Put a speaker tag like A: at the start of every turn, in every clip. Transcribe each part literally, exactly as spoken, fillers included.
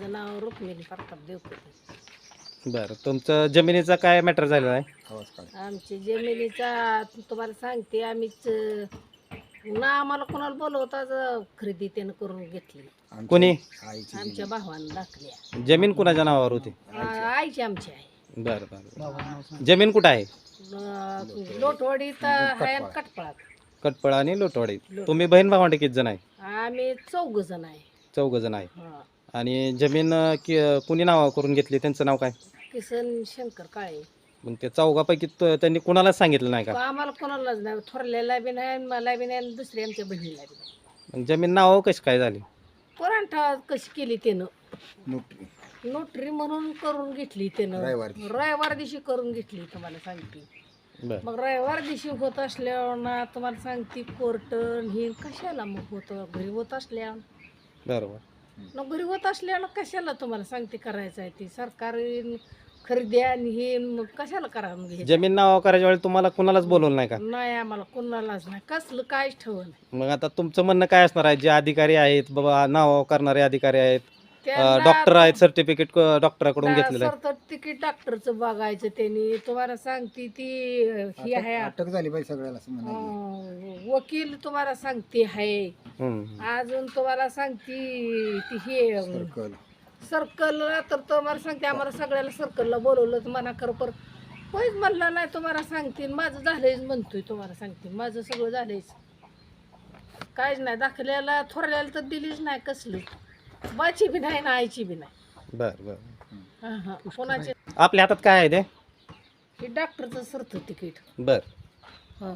A: माझं नाव रुक्मिणी प्रताप देवकर.
B: बरं, तुमचं जमिनीचा काय मॅटर झालेला आहे?
A: आमची जमिनीचा तुम्हाला सांगते, आम्हीच ना आम्हाला कोणाला बोलवताच खरेदी त्यानं करून घेतली.
B: कोणी?
A: आमच्या भावानं दाखल्या.
B: जमीन कुणाच्या नावावर होती?
A: आईची आमची आहे.
B: बरं बरं. जमीन कुठं आहे?
A: लोटवाडीत आहे, कटपळात.
B: कटपळा आणि लोटवाडी. तुम्ही बहीण भावंडे किती जण आहे?
A: आम्ही चौघ जण आहे.
B: चौघ जण आहे.
A: हा.
B: आणि जमीन अं, कि- कुणी नाव करून घेतली, त्यांचं नाव काय?
A: किसन शंकर काळे.
B: मग ते चौघापैकी तो- त्यांनी कुणालाच सांगितलं नाही का?
A: आम्हाला कोणालाच नाही, थोरल्याला बी नाही, मला बी नाही, आणि दुसरी आमच्या बहिणीला बी नाही.
B: मग जमीन नाव कशी काय झाली?
A: कोरांठा कशी केली त्यानं,
C: नोटरी
A: नोटरी म्हणून करून घेतली त्यानं.
C: रविवार दिवशी.
A: रविवार दिवशी करून घेतली तुम्हाला सांगते.
B: बरं
A: मग रविवार दिवशी होत असल्यावर ना तुम्हाला सांगते कोर्ट हे कशाला मग होतं, घरी होत असल्यावर
B: बरोबर.
A: मग घरी होत असल्यावर कशाला तुम्हाला सांगते करायचं आहे ती सरकारी खरेदी आणि हे मग कशाला करा मग हे?
B: जमीन नाव करायच्या वेळी तुम्हाला कुणालाच बोलवलं नाही का?
A: नाही आम्हाला कोणालाच नाही, कसलं काहीच ठेवलं नाही.
B: मग आता तुमचं म्हणणं काय असणार आहे? जे अधिकारी आहेत बाबा, नाव करणारे अधिकारी आहेत,
A: त्यांना
B: डॉक्टर आहेत, सर्टिफिकेट डॉक्टराकडून घेतलेलं आहे.
A: सरतर तिकीट डॉक्टरचं बघायचं त्यांनी तुम्हाला सांगते ती ही आहे
C: अटक झाली पाहिजे सगळ्याला असं म्हणायचं.
A: अं, वकील तुम्हाला सांगते आहे.
B: हम्म.
A: अजून तुम्हाला सांगते ती हे
C: सर्कल
A: सर्कलला तर तुम्हाला सांगते आम्हाला सगळ्याला सर्कलला बोलवलं तर म्हणा खरं, पर होईच म्हणला नाही तुम्हाला सांगते. माझं झालंयच म्हणतोय तुम्हाला सांगते, माझं सगळं झालंयच, काहीच नाही. दाखल्याला थोरल्याला तर दिलीच नाही, कसली बाची बी नाही ना आईची बी नाही.
B: बरं बरं.
A: हा हा कोणाचे
B: आपल्या हातात काय आहे ते?
A: हे डॉक्टरचं सरतं तिकीट.
B: बर.
A: हा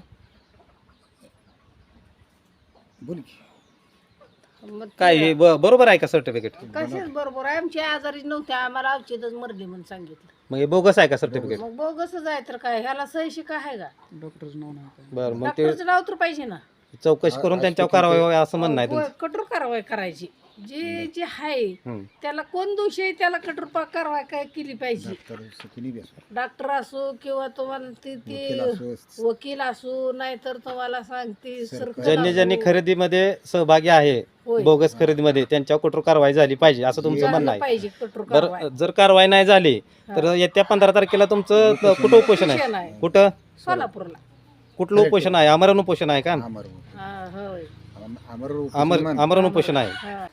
C: बोल की.
A: मग
B: काय हे ब- बरोबर आहे का सर्टिफिकेट?
A: कशाच बरोबर आहे, आमची आजारी नव्हते, आम्हाला औषधच मरली म्हणून सांगितलं.
B: मग हे बोगस आहे का सर्टिफिकेट?
A: मग बोगसच आहे तर काय, ह्याला सही शिका आहे का?
B: बरं, मग ते
A: डॉक्टरचं नाव तर पाहिजे ना.
B: चौकशी करून त्यांच्यावर कारवाई व्हावी असं म्हणणं आहे
A: होय,
B: तुमचं?
A: कठोर कारवाई करायची. जे जे आहे
B: हम्म.
A: त्याला कोण दोषी आहे त्याला कठोर पा- कारवाई काय केली पाहिजे.
C: तर सुखीनी बी असो.
A: डॉक्टर असो किंवा तुम्हाला ती
C: वकील
A: ती
C: असो.
A: वकील असो, नाहीतर तुम्हाला सांगते सरकार
B: ज्यांनी ज्यांनी
A: असो.
B: खरेदीमध्ये सहभागी आहे,
A: होय.
B: बोगस खरेदीमध्ये, त्यांच्यावर कठोर कारवाई झाली पाहिजे असं तुमचं
A: झालं
B: म्हणणं आहे.
A: पाहिजे कठोर कारवाई.
B: बरं, जर कारवाई नाही झाली तर येत्या पंधरा तारखेला तुमचं कुठं उपोषण आहे?
A: उपोषण आहे.
B: कुठं?
A: सोलापूरला.
B: कुठलं उपोषण आहे? आमरण उपोषण आहे का?
C: अमर
A: हा, होय.
C: अमर
B: आमर आमरण उपोषण आहे.
A: हा.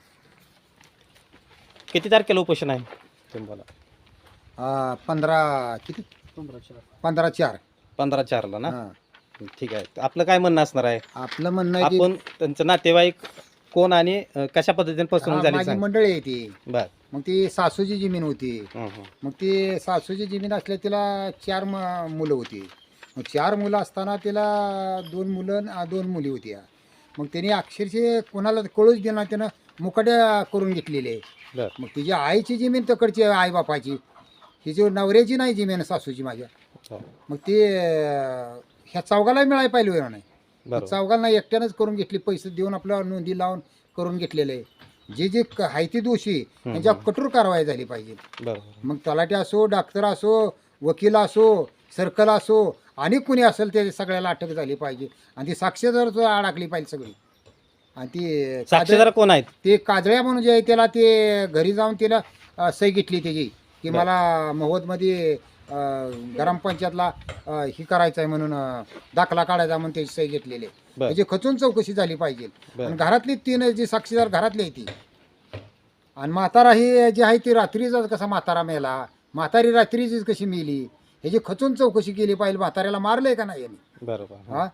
B: किती तारखेला उपोषण आहे तुम्हाला?
C: आ, पंधरा किती पंधरा चार
B: पंधरा चारला ना?
C: हा.
B: ठीक आहे. आपलं काय म्हणणं असणार आहे?
C: आपलं म्हणणं आहे की
B: आपण त्यांचं नातेवाईक कोण आणि अं, कशा पद्धतीने फसवणूक
C: हा,
B: झाली
C: माझी
B: सांग.
C: मंडळी आहे ती.
B: बर.
C: मग ती सासूची जमीन होती.
B: हं, हं.
C: मग ती सासूची जमीन असल्या तिला चार म- मुलं होती. मग चार मुलं असताना तिला दोन मुलं आणि दोन मुली होत्या. मग त्यांनी अक्षरशः कोणाला कळूच दिला नाही, त्यानं मुकाट्या करून घेतलेले आहे.
B: बर.
C: मग तिची आईची जमीन तकडची आहे, आई बापाची. हिची नवऱ्याची नाही जमीन सासूची माझ्या.
B: हो.
C: मग ते अं, ह्या चौघाला मिळायला पाहिजे होतं नाही.
B: बरोबर.
C: चौघांना एकट्यानंच करून घेतली, पैसे देऊन आपल्या नोंदी लावून करून घेतलेले आहे. जे जे क- आहे ते दोषी त्यांच्या कठोर कारवाई झाली पाहिजे.
B: बरोबर.
C: मग तलाठी असो, डॉक्टर असो, वकील असो, सर्कल असो, आणि कुणी असेल ते सगळ्याला अटक झाली पाहिजे. आणि ती साक्षीदार अडकली पाहिजे सगळी. आणि ती
B: साक्षीदार कोण आहेत?
C: ते काजळ्या म्हणून जे आहे त्याला ते घरी जाऊन तिला अ, सही घेतली त्याची की मला महोदमध्ये अ, ग्रामपंचायतला अ, ही करायचं आहे म्हणून अ, दाखला काढायचा म्हणून त्याची सही घेतलेली आहे.
B: बर.
C: म्हणजे खचून चौकशी झाली पाहिजे.
B: बर.
C: आणि घरातली तीन जी साक्षीदार घरातली आहे ती. आणि म्हातारा ही जी आहे ती रात्रीचा कसा म्हातारा मेला, म्हातारी रात्रीचीच कशी मेली, ह्याची खचून चौकशी केली पाहिजे. म्हाताऱ्याला मारलंय का नाही यांनी?
B: बरोबर.
C: हा,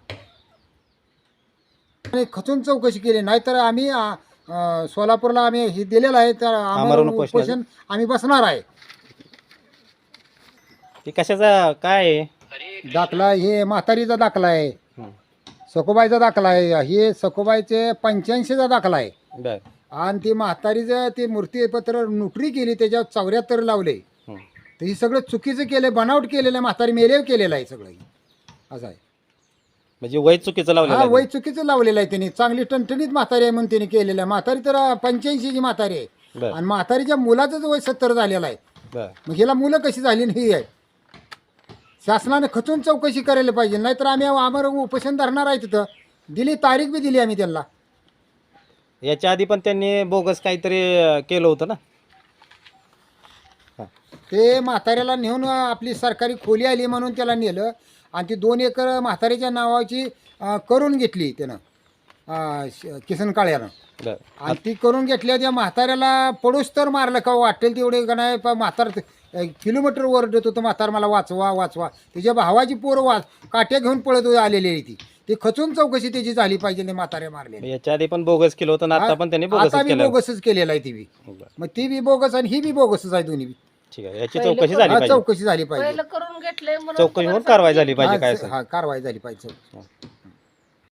C: आणि खचून चौकशी केली. नाहीतर आम्ही अ, अ, सोलापूरला आम्ही हे दिलेलं आहे, तर
B: आमरण
C: आमरण
B: उपोषण.
C: उपोषण आम्ही बसणार आहे.
B: ते कशाचा काय आहे?
C: दाखला हे म्हातारीचा दाखला आहे,
B: हं.
C: सखोबाईचा दाखला आहे, हे सखोबाईचे पंच्याऐंशीचा दाखला आहे.
B: बर.
C: आणि ते म्हातारीचं ते मूर्तीपत्र नोटरी केली, त्याच्यावर चौऱ्याहत्तर लावले.
B: हं.
C: तर हे सगळं चुकीचं केलं, बनावट केलेलं आहे, म्हातारी मेले केलेलं आहे सगळं हे. असं आहे.
B: म्हणजे वय चुकीचं लावलेलं
C: हा,
B: आहे.
C: वय चुकीचं लावलेलं आहे त्यांनी. चांगली टणटणीत म्हातारी आहे म्हणून त्यांनी केलेलं आहे. म्हातारी तर पंच्याऐंशीची म्हातारी आहे.
B: बर.
C: आणि म्हातारीच्या मुलाचंच वय सत्तर झालेलं आहे.
B: बर.
C: मग हिला मुलं कशी झाली नाही आहे. शासनाने खचून चौकशी करायला पाहिजे. नाहीतर आम्ही आमर उपोषण धरणार आहे तिथं. दिली तारीख बी दिली आम्ही त्यांना.
B: याच्या आधी पण त्यांनी बोगस काहीतरी अं, केलं होतं ना? हा.
C: ते म्हाताऱ्याला नेऊन आपली सरकारी खोली आली म्हणून त्याला नेलं आणि ती दोन एकर म्हाताऱ्याच्या नावाची अं, करून घेतली त्यानं अं, श- किसन काळ्यानं.
B: बरं.
C: आणि ती करून घेतल्या त्या म्हाताऱ्याला पडूस तर मारलं का वाटेल तेवढे का नाही प- म्हातार किलोमीटर ओरडत होतं म्हातार मला वाचवा वाचवा. तिच्या भावाची पोरं वाच काट्या घेऊन पळत आलेली आहे ती ती खचून चौकशी त्याची झाली पाहिजे ते म्हाताऱ्या मारले.
B: याच्या आधी पण बोगस केलं होतं आणि आता पण त्यांनी बोगस
C: आता बी
B: केलं.
C: बोगसच केलेला आहे ती बी.
B: बरं.
C: मग ती बी बोगस आणि ही बी बोगसच आहे दोन्ही बी.
B: ठीक आहे, याची
A: पहिलं
B: चौकशी
A: पण-
B: झाली
C: हा,
B: पाहिजे.
C: चौकशी झाली पाहिजे.
A: पहिलं करून घेतलंय म्हणून
B: चौकशी
A: तुम्हाला
B: होऊन कारवाई झाली
A: सांगते.
B: पाहिजे काय
C: हा,
B: असेल.
C: हा, कारवाई झाली पाहिजे.
B: हा.